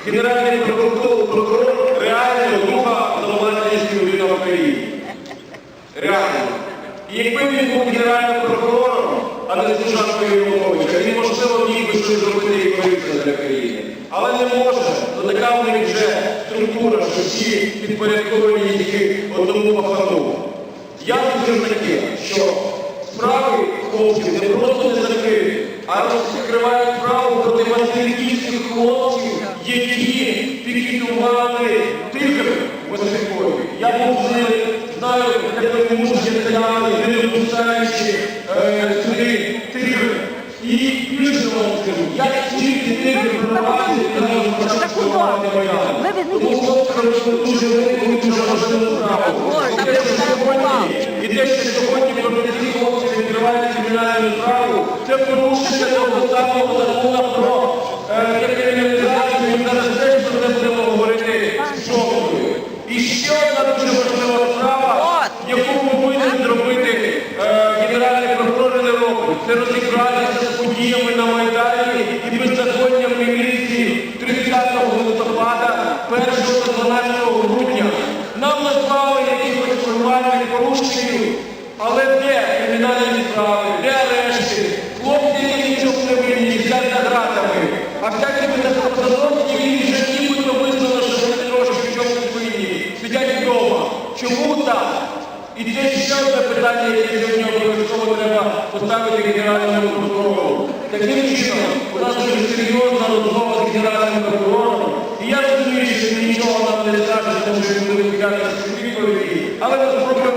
Генеральний прокурор реально друга нормальної людина в країні. Реально. І якби він був генеральним прокурором, а не служанкою Януковича, він, можливо, міг би щось зробити і корисне для країни. Але не може, то така в них вже структура, що всі підпорядковані тільки одному пахану. Я скажу таке, що справи хлопців не просто не закриті, а розкривають справу проти васильківських хлопців, які пікетували тигр Василькові. Я був з ними, знаю, як вони мужні стояли, не випускаючи сюди тигр. І більше вам скажу, як тільки тигр прорвався, і почав штурмувати Майдан. Тому хлопці робили дуже велику і дуже важливу справу. І те, що сьогодні проти цих хлопців відкривають кримінальну справу, це порушення того самого закону про криміналізацію, і зараз теж про це будемо говорити з Шовкою. І ще одна дуже важлива справа, яку повинен зробити генеральний прокурор не робить. Це розібратися з подіями на Майдані і беззаконням міліції 30 листопада, 1 та 12 грудня. Нам назвали якихось формальних порушників, але де кримінальні справи, де арешти? Хлопці, які нічого не винні, сидять за ґратами. А всякі беззаконні він вже нібито визнано, що вони трошки в чомусь винні. Сидять вдома. Чому так? І це ще одне питання, яке сьогодні обов'язково треба поставити генеральному прокурору. Таким чином, у нас дуже серйозна розмова з генеральним прокурором. І я розумію, що нічого нам не скаже, тому що він буде відповідати відповіді. Але ми спробуємо